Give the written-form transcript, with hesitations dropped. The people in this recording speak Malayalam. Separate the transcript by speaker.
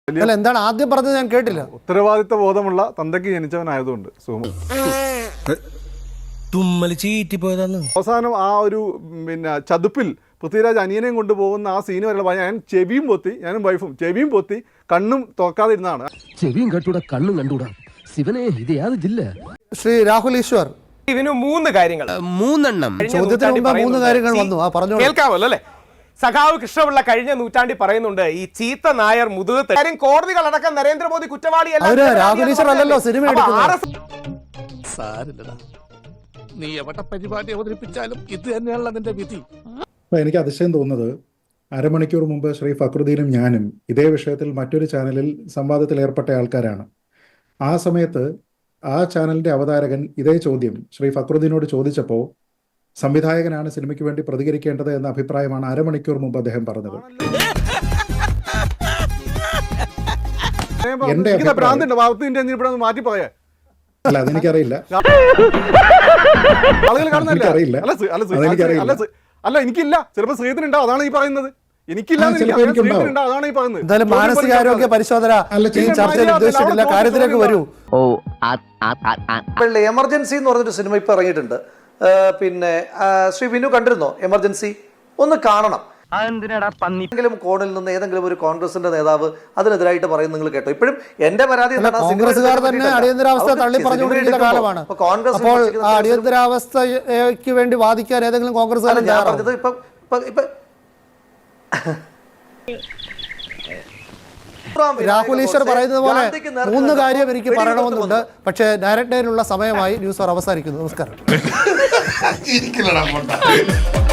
Speaker 1: അല്ല എന്താണ് ആദ്യം പറഞ്ഞത് ഞാൻ കേട്ടില്ല.
Speaker 2: ഉത്തരവാദിത്ത ബോധമുള്ള തന്തയ്ക്ക് ജനിച്ചവനായതുകൊണ്ട് അവസാനം ആ ഒരു ചതുപ്പിൽ പൃഥ്വിരാജ് അനിയനെയും കൊണ്ടുപോകുന്ന ആ സീന് വരെയുള്ള ഞാൻ ചെവിയും പൊത്തി, ഞാനും വൈഫും ചെവിയും പൊത്തി കണ്ണും തുറക്കാതെ ഇരുന്നാണ്.
Speaker 3: ചെവിയും കണ്ടൂടാ കണ്ണും കണ്ടൂടാ ശിവനെ ഇത് യാതൊരു ജില്ല.
Speaker 1: ശ്രീ രാഹുൽ ഈശ്വർ
Speaker 4: ഇതിന് 3 കാര്യങ്ങൾ,
Speaker 3: 3 എണ്ണം
Speaker 1: ചോദ്യത്തിന് മുമ്പ് 3 കാര്യങ്ങൾ വന്നു. പറഞ്ഞു
Speaker 4: കേൾക്കാമല്ലോ അല്ലേ? സഖാവ് കൃഷ്ണപിള്ള കഴിഞ്ഞ നൂറ്റാണ്ടിൽ പറയുന്നുണ്ട് ഈ ചീത്ത നായർ മുതുകത്ത് കാര്യം കോടതികളടക്കം നരേന്ദ്രമോദി കുറ്റവാളിയല്ല.
Speaker 1: രാഹുൽ ഈശ്വർ അല്ലല്ലോ സിനിമ എടുക്കുന്നത്.
Speaker 5: നീ എവിടെ പരിപാടി അവതരിപ്പിച്ചാലും ഇത് തന്നെയാണല്ലോ നിന്റെ വിധി.
Speaker 6: എനിക്ക് അതിശയം തോന്നുന്നത്, അരമണിക്കൂർ മുമ്പ് ശ്രീ ഫക്രുദ്ദീനും ഞാനും ഇതേ വിഷയത്തിൽ മറ്റൊരു ചാനലിൽ സംവാദത്തിൽ ഏർപ്പെട്ട ആൾക്കാരാണ്. ആ സമയത്ത് ആ ചാനലിന്റെ അവതാരകൻ ഇതേ ചോദ്യം ശ്രീ ഫക്രുദ്ദീനോട് ചോദിച്ചപ്പോൾ സംവിധായകനാണ് സിനിമയ്ക്ക് വേണ്ടി പ്രതികരിക്കേണ്ടത് എന്ന അഭിപ്രായമാണ് അരമണിക്കൂർ മുമ്പ് അദ്ദേഹം പറഞ്ഞത്.
Speaker 2: മാറ്റി പറയാ
Speaker 6: അല്ല അതെനിക്കറിയില്ല.
Speaker 2: അല്ല എനിക്കില്ല, ചിലപ്പോ ശ്രീധനുണ്ടാവും, അതാണ് ഈ പറയുന്നത്. എനിക്കില്ല, അതാണ് ഈ പറയുന്നത്.
Speaker 1: എന്തായാലും മാനസികാരോഗ്യ പരിശോധന ചർച്ചയിൽ ഉദ്ദേശിച്ചിട്ടില്ല, കാര്യത്തിലേക്ക് വരൂ.
Speaker 7: എമർജൻസി എന്ന് പറഞ്ഞൊരു സിനിമ ഇപ്പൊ ഇറങ്ങിയിട്ടുണ്ട്. പിന്നെ ശ്രീ വിനു കണ്ടിരുന്നോ എമർജൻസി? ഒന്ന് കാണണം. ഏതെങ്കിലും കോണിൽ നിന്ന് ഏതെങ്കിലും ഒരു കോൺഗ്രസിന്റെ നേതാവ് അതിനെതിരായിട്ട് പറയും, നിങ്ങൾ കേട്ടോ? ഇപ്പോഴും എന്റെ പരാതി
Speaker 1: കോൺഗ്രസുകാർ തന്നെ അടിയന്തരാവസ്ഥ തള്ളി പറഞ്ഞുകൊണ്ടിരിക്കുന്ന കാലമാണ്. അപ്പോൾ അടിയന്തരാവസ്ഥയ്ക്ക് വേണ്ടി വാദിക്കാൻ ഏതെങ്കിലും കോൺഗ്രസ്
Speaker 7: ഞാൻ പറഞ്ഞത് ഇപ്പൊ
Speaker 1: രാഹുൽ ഈശ്വർ പറയുന്നത് പോലെ 3 കാര്യം എനിക്ക് പറയണമെന്നുണ്ട്. പക്ഷേ ഡയറക്റ്റ് ലൈനുള്ള സമയമായി. ന്യൂസ് അവർ അവസാനിക്കുന്നു. നമസ്കാരം.